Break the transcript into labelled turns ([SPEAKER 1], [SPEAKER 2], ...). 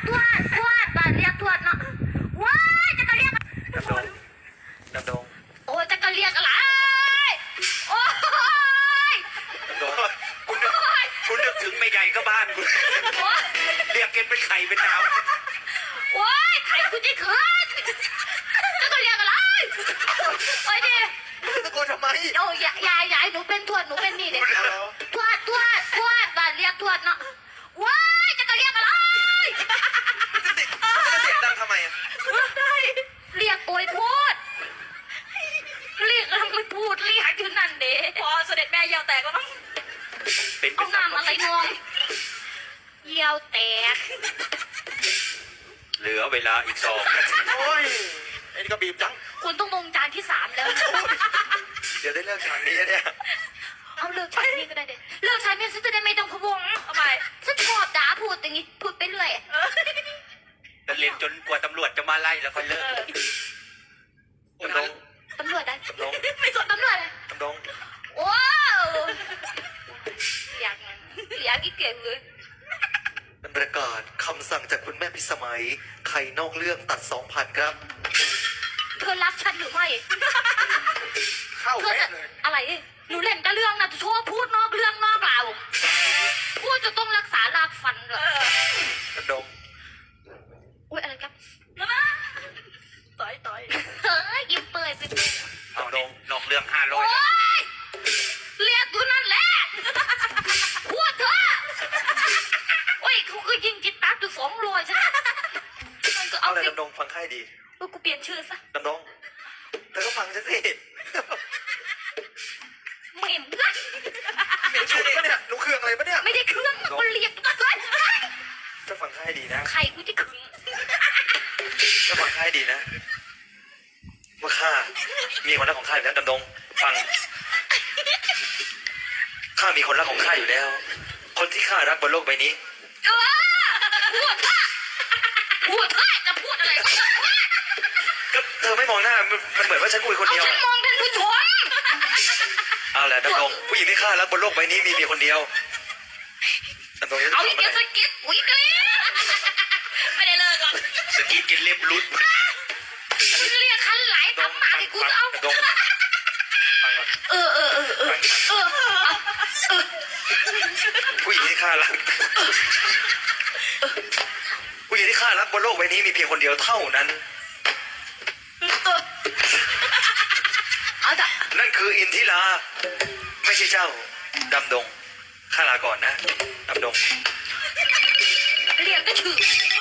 [SPEAKER 1] ดบ้านเรียกทวดเนาะว้ายจะกระเรียก
[SPEAKER 2] ดำดง
[SPEAKER 1] โอ้จะกระเรียกอะไรโอ้ย
[SPEAKER 2] ดำดงคุณนึกถึงไม่ใหญ่ก็บ้านคุณเรียกเกณฑ์เป็นไข่เป็นดาว
[SPEAKER 1] โอ้ยไข่คุณจะขึ้นจะกระเรียกอะไรโอ้ยดิ
[SPEAKER 2] ตะโกนทำไม
[SPEAKER 1] โอ้ยายหนูเป็นทวดหนูเป็นนี่เด็กทวดบ้านเรียกทวดเนาะว้ายจะกระเรียกอะไร
[SPEAKER 2] เสียงดังทำไมอะ
[SPEAKER 1] เรียกโอยพูดเรียกแล้วไม่พูดเรียกอยู่นั่นเด้พอเสด็จแม่เยี่ยวแตกแล้วมั้งเอาน้ำอะไรนองเยี่ยวแตก
[SPEAKER 2] เหลือเวลาอีก2 นาทีโอ้ยไอ้นี่ก็บีบจัง
[SPEAKER 1] คุณต้องลงจานที่3แล้ว
[SPEAKER 2] เดี๋ยวได้เลิกฉากนี้เนี่ย
[SPEAKER 1] เอาเลิกฉากนี้ก็ได้เด็เลิกฉากนี้ฉันจะได้ไม่ต้องพะวงทำไมฉันชอบด่าพูดอย่างนี้พูดไปเรื่อย
[SPEAKER 2] จะเรียนจนกว่าตำรวจจะมาไล่แล้วก็เลิกดำดง
[SPEAKER 1] ตำรวจได้
[SPEAKER 2] ดำดง
[SPEAKER 1] ไม่สนตำรวจเลย
[SPEAKER 2] ดำดง
[SPEAKER 1] ว้าวอยากอีกเก่งเลย
[SPEAKER 2] เป็นประกาศคำสั่งจากคุณแม่พิสมัยใครนอกเรื่องตัด 2,000 ครับ
[SPEAKER 1] เธอรักฉันหรือไม่
[SPEAKER 2] เข้าแม่เลย
[SPEAKER 1] อะไรหนูเล่นแต่เรื่องนะชอบพูดนอกเรื่องนอกราวพูดจะต้องรักษารากฟันเลย
[SPEAKER 2] ดำดง
[SPEAKER 1] อุ้ยอะไรครับต่อยเฮ้ยยิ้มเปยไปด
[SPEAKER 2] ำดงนอกเรื่อง500
[SPEAKER 1] เรียกอยู่นั่นแหละพูดเถอะโอ้ยเขาคือยิงจิตตาอยู่200ใช่ไหม
[SPEAKER 2] เอาอะไรดำดงฟังให้ดี
[SPEAKER 1] กูเปลี่ยนชื่อซะ
[SPEAKER 2] ดำดงเธอก็ฟังฉันสิ
[SPEAKER 1] เหม็นละ
[SPEAKER 2] ฉุดปะเนี่ยหนูเครื่องอะไรปะเนี่ย
[SPEAKER 1] ไม่ได้เครื่องมันเรียกตัวเลย
[SPEAKER 2] จะฟังให้ดีนะ
[SPEAKER 1] ใครกูจะขึง
[SPEAKER 2] จะฟังให้ดีนะว่าข้ามีคนรักของข้าอยู่แล้วดำดงฟังข้ามีคนรักของข้าอยู่แล้วคนที่ข้ารักบนโลกใบนี้
[SPEAKER 1] พูดจะพูดอะไร
[SPEAKER 2] ก็เธอไม่มองหน้ามันเหมือนว่าฉันคุยคนเดียว
[SPEAKER 1] ฉันมองท่านผู้ชม
[SPEAKER 2] เอาแหละดำดงผู้หญิงที่ข้ารักบนโลกใบนี้มีคนเดียวดำดง
[SPEAKER 1] เอาอีกเดียวสกิดอุ้ยกรี๊ดไม่ได้เลิกหรอก
[SPEAKER 2] สกิดกินเล็บลุ้น
[SPEAKER 1] เรียกคันไหลทำหมาให้กูเอา
[SPEAKER 2] ผู้หญิงที่ข้ารักผู้หญิงที่ข้ารักบนโลกใบนี้มีเพียงคนเดียวเท่านั้นนั่นคืออินทิราไม่ใช่เจ้าดำดงข้าลาก่อนนะดำดง
[SPEAKER 1] เรียกก็ชื่อ